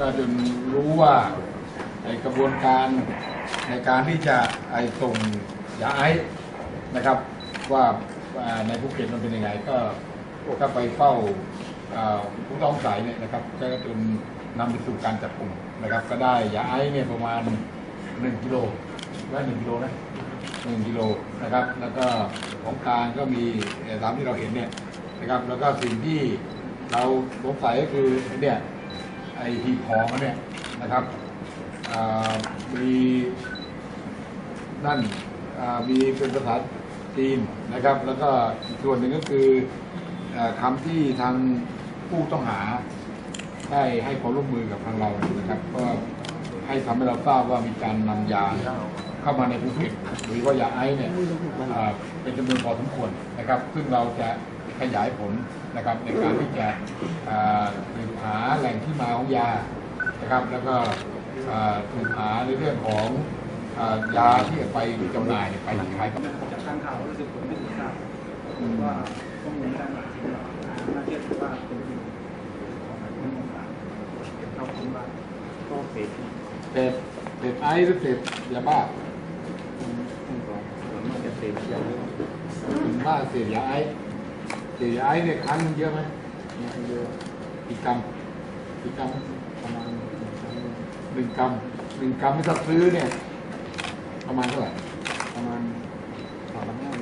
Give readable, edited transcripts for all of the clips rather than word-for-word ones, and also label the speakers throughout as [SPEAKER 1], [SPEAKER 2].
[SPEAKER 1] ก็จนรู้ว่าในกระบวนการในการที่จะส่งยาไอซ์นะครับว่าในภูเก็ตมันเป็นยังไงก็ไปเฝ้าผู้ต้องสงสัยเนี่ยนะครับก็จนนำไปสู่การจับกลุ่มนะครับก็ได้ยาไอซ์เนี่ยประมาณ1 กิโลได้1 กิโลนะ1 กิโลนะครับแล้วก็ของกลางก็มีตามที่เราเห็นเนี่ยนะครับแล้วก็สิ่งที่เราสงสัยก็คือเนี่ยไอ้หีบห่อมันเนี่ยนะครับมีนั่นมีเป็นภาษาจีนนะครับแล้วก็อีกส่วนหนึ่งก็คือคำที่ทางผู้ต้องหาได้ให้ความร่วมมือกับทางเรานะครับก็ให้ทำให้เราทราบว่ามีการนำยาเข้ามาในภูเก็ตหรือว่ายาไอซ์เนี่ยเป็นจำนวนพอสมควรนะครับซึ่งเราจะขยายผลนะครับในการที่จะสืบหาแหล่งที่มาของยานะครับแล้วก็สืบหาในเรื่องของยาที่ไปจำหน่ายไปขาย
[SPEAKER 2] จากทางข่าวรู้สึกผมไม่ทราบว่าข้อมูลด้านหลังน่าเชื่อถือว่าเป็นจริงเราคิดว่าก็เ
[SPEAKER 1] สพไอซ์หรือเสพยาบ้า
[SPEAKER 2] ส่วนมากจะเสพยาเยอะ
[SPEAKER 1] บ้าเสพยาไอซ์เนี่ยครั้งเยอะไหม
[SPEAKER 2] เยอะ
[SPEAKER 1] กี่กรัม
[SPEAKER 2] ประมาณ
[SPEAKER 1] 1 กรัมที่ถ้าซื้อเนี่ยประมาณเท่าไหร่
[SPEAKER 2] ประมาณ3,500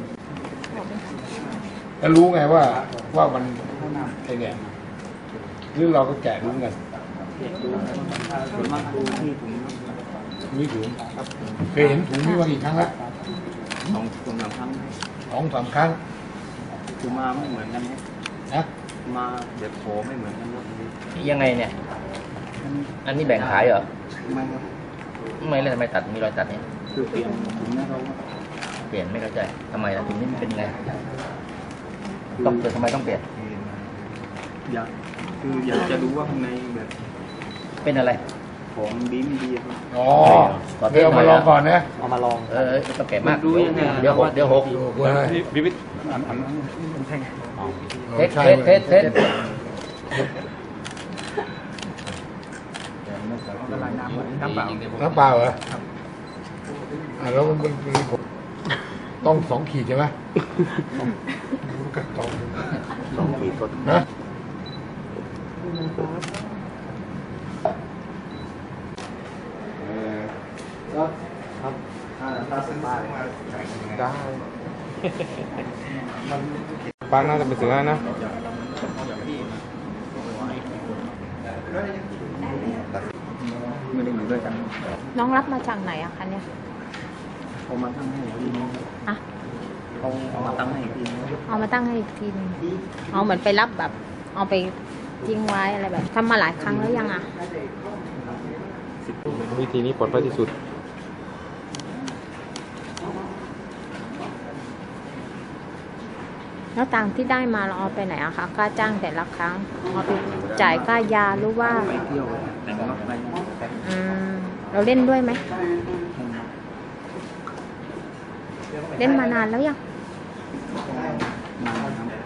[SPEAKER 1] แล้วรู้ไงว่ามันไอเนี่ยหรือเราก็แกะรู้กัน
[SPEAKER 2] ส่วนมากดูที่ถุง
[SPEAKER 1] มีถุงเคยเห็นถุงนี้ว่ากี่ครั้งละ
[SPEAKER 2] 2-3 ครั้ง
[SPEAKER 1] 2-3 ครั้ง
[SPEAKER 2] คือมาไม่เหมือนกัน
[SPEAKER 1] นะ
[SPEAKER 2] มาเด็ดโผไม่เหมือนกัน
[SPEAKER 3] ยังไงเนี่ยอันนี้แบ่งขายเหรอ
[SPEAKER 2] ไม่ครับ
[SPEAKER 3] ไม่เลยทำไมตัดมีรอยตัดเนี่ย
[SPEAKER 2] คือเปลี่ยนถุงนี้เรา
[SPEAKER 3] เปลี่ยนไม่เข้าใจทำไมล่ะถุงนี้มันเป็นไงต้องเปลี่ยนทำไมต้องเปลี่ยน
[SPEAKER 2] อยากจะรู้ว่าข้างในแบบ
[SPEAKER 3] เป็นอะไร
[SPEAKER 2] ของดีไม่ดีครับ
[SPEAKER 1] อ๋อเดี๋ยวมาลองก่อนนะ
[SPEAKER 2] เอามาลอง
[SPEAKER 3] ต้องแก่มากเดี๋ยวหก
[SPEAKER 2] บิวิทอันมันแท่ง
[SPEAKER 3] เทส
[SPEAKER 2] ละลายน้ำเป
[SPEAKER 1] ล่าเหรอแล้วมันต้อง2 ขีดใช่ไหม
[SPEAKER 2] 2 ขีดก็
[SPEAKER 1] นะ
[SPEAKER 2] ครับถ้าซื้อมา
[SPEAKER 1] ได้ป้าน่าจะไปซื้อนะ
[SPEAKER 2] ไม่ได้อยู่ด้วยกัน
[SPEAKER 4] น้องรับมาจากไหนอะคะเนี่ย
[SPEAKER 2] เอามาตั้งให้พี่น้อง
[SPEAKER 4] อะ
[SPEAKER 2] เอามาตั้งให้พี่น้อง
[SPEAKER 4] เอามาตั้งให้อีกทีนึงเอาเหมือนไปรับแบบเอาไปทิ้งไว้อะไรแบบทำมาหลายครั้งแล้วยังอะ
[SPEAKER 1] วิธีนี้ปลอดภัยที่สุด
[SPEAKER 4] แล้วตังที่ได้มาเราเอาไปไหนอะคะค่าจ้างแต่ละครั้งเอาไปจ่ายค่ายาหรือว่า
[SPEAKER 2] ไปเที่ยวแต่งรถไป
[SPEAKER 4] เราเล่นด้วยไหมเล่นมานานแล้วยัง
[SPEAKER 2] นานครับ